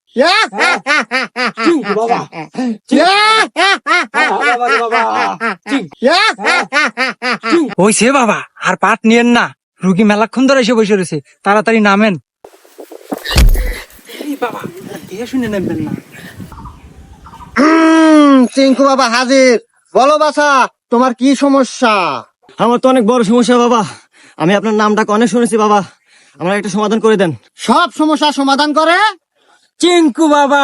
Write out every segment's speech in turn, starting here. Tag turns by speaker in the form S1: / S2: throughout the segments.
S1: চিঙ্কু বাবা
S2: ওই সে বাবা, আর পাট নিয়েন না, রুগী মেলাক্ষণ ধরে এসে বসে রয়েছে, তাড়াতাড়ি নামেন। এই বাবা, দেখে শুনে নামবেন না।
S3: চিঙ্কু বাবা হাজির। বলো বাছা, তোমার কি সমস্যা?
S1: আমার তো অনেক বড় সমস্যা বাবা, আমি আপনার নামটাকে অনেক শুনেছি বাবা, আমার একটা সমাধান করে দেন।
S3: সব সমস্যার সমাধান করে
S2: চিঙ্কু বাবা।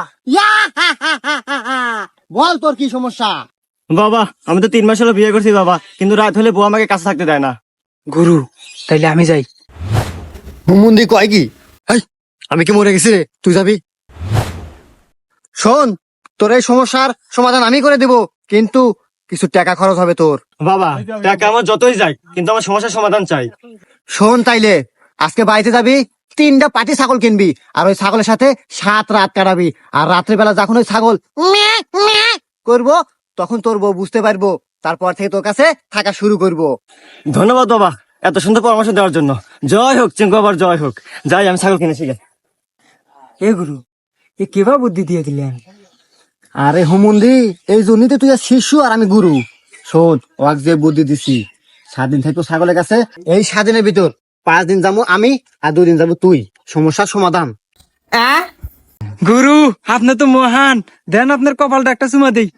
S3: বল তোর কি সমস্যা?
S1: বাবা আমি তো 3 মাস হলো বিয়ে করছি বাবা, কিন্তু রাত হলে বউ আমাকে কাছে থাকতে দেয় না।
S2: গুরু, তাইলে আমি যাই।
S3: হুমুন্দি কয় কি? আমি কি মরে গেছি রে? তুই যাবি? শোন, তোর এই সমস্যার সমাধান আমি করে দেব, কিন্তু কিছু টাকা খরচ হবে তোর।
S1: বাবা টাকা আমার যতই যাই, কিন্তু আমার সমস্যার সমাধান চাই।
S3: শোন তাইলে, আজকে বাড়িতে যাবি, 3টা পাটি ছাগল কিনবি, আর ওই ছাগলের সাথে 7 রাত কাটাবি। আর রাত্রিবেলা যখন ওই ছাগল ম্যাঁ ম্যাঁ করবো, তখন তোর বউ বুঝতে পারবো, তারপর থেকে তোর কাছে থাকা শুরু করবো।
S1: ধন্যবাদ বাবা এত সুন্দর পরামর্শ দেওয়ার জন্য। জয় হোক চিঙ্কু বাবার, জয় হোক। যাই আমি ছাগল কিনেছি গে।
S2: এ গুরু, এ কেবা বুদ্ধি দিয়ে দিলেন?
S3: আরে হুমুন্দি, এই জন্যই তো তুই আর শিশু আর আমি গুরু। শোন, ওয়াক যে বুদ্ধি দিছি, 7 দিন থাকবো ছাগলের কাছে, এই 7 দিনের ভিতর 5 দিন যাবো আমি, আর 2 দিন যাবো তুই। সমস্যার সমাধান।
S2: গুরু, আপনি তো মহান, দেন আপনার কপালটা একটা চুমা দেই।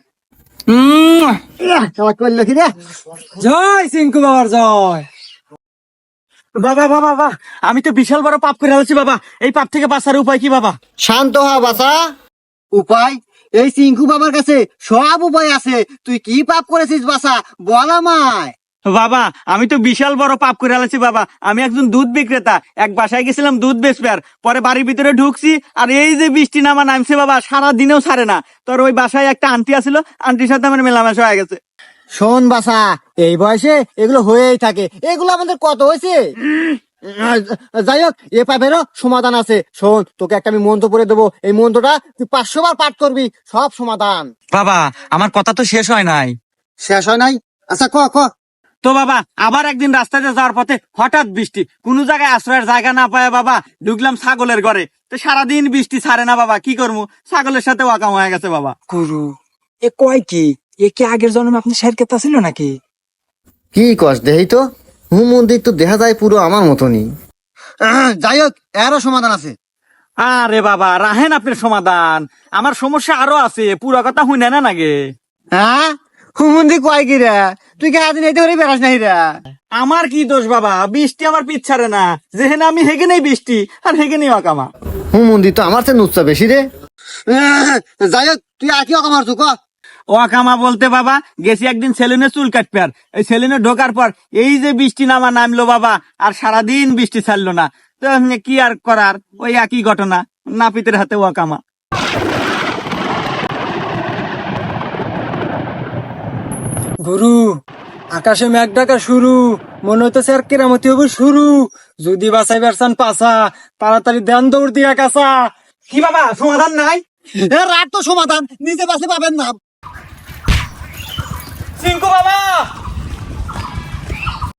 S3: করলো কি রে?
S2: জয় চিঙ্কু বাবার জয়।
S1: বাবা বাবা বাবা, আমি তো বিশাল বড় পাপ করে ফেলেছি বাবা, এই পাপ থেকে বাঁচার উপায় কি বাবা?
S3: শান্ত হ বাছা। উপায়? এই চিঙ্কু বাবার কাছে সব উপায় আছে। তুই কি পাপ করেছিস বাছা, বল আমায়।
S1: বাবা আমি তো বিশাল বড় পাপ করে ফেলেছি বাবা, আমি একজন দুধ বিক্রেতা, এক বাসায় গেছিলাম দুধ বেচবার, পরে বাড়ির ভিতরে ঢুকছি, আর এই যে বৃষ্টি নামা নামছে বাবা, সারা দিনেও ছাড়ে না। তোর ওই বাসায় একটা আন্টি আছিল, আন্টির সাথে আমার মেলামেশা হয়ে গেছে।
S3: শোন বাছা, এই বয়সে এগুলো হয়েই থাকে, এগুলো আমাদের কত হয়েছে। যাই হোক, এ পাপেরও সমাধান আছে। শোন, তোকে একটা আমি মন্ত্র পড়ে দেবো, এই মন্ত্রটা তুই 500 বার পাঠ করবি, সব সমাধান।
S2: বাবা, আমার কথা তো শেষ হয় নাই।
S3: শেষ হয় নাই? আচ্ছা ক ক।
S1: তো বাবা আবার একদিন রাস্তাতে যাওয়ার পথে হঠাৎ বৃষ্টি, কোন জায়গায় আশ্রয়ের জায়গা না পায় বাবা, ঢুকলাম ছাগলের ঘরে, তো সারাদিন বৃষ্টি ছাড়ে না বাবা, কি করবো, ছাগলের সাথে ওয়াকাম হয়ে গেছে বাবা।
S2: গুরু, এ কয় কি? এ কি আগের জন্মে আপনি শের কেতা ছিল নাকি?
S3: কি কস দেহি তো, মন্দির তো দেখা যায় পুরো আমার মতনই। যাই হোক, এরও সমাধান আছে।
S1: আরে বাবা রাহেন আপনার সমাধান, আমার সমস্যা আরো আছে, পুরো কথা শুনে না নাগে।
S3: হ্যাঁ, হুমন্দি কয় কি রে? তুই কি আদিন এইতে করে বেড়াস নাই রে?
S1: আমার কি দোষ বাবা, বৃষ্টি আমার পিছ ছাড়ে না, যেখানে আমি হেগেনেই বৃষ্টি আর হেগেনেই অকামা।
S3: হুমন্দি তো আমার চেয়ে নুচ্ছা বেশি রে। যাই হোক, তুই আর কি অকামার চুক?
S1: ওয়াকামা বলতে বাবা, গেছি একদিন সেলুনে চুল কাটবে, আর এই সেলুনে ঢোকার পর এই যে বৃষ্টি নামা নামলো বাবা, আর সারাদিন বৃষ্টি ছাড়লো না, তো কি আর করার, ওই একই ঘটনা, নাপিতের হাতে ওয়াকামা।
S2: গুরু, আকাশে মেঘ ডাকা শুরু, মনে হইতেছে আর কেরামতি হবে শুরু। যদি বাঁচাই বেরসান পাসা, তাড়াতাড়ি দেন দৌড় দিয়া কাঁচা।
S1: কি বাবা সমাধান নাই?
S3: রাত তো সমাধান নিজে বাসে পাবেন না।
S1: চিঙ্কু বাবা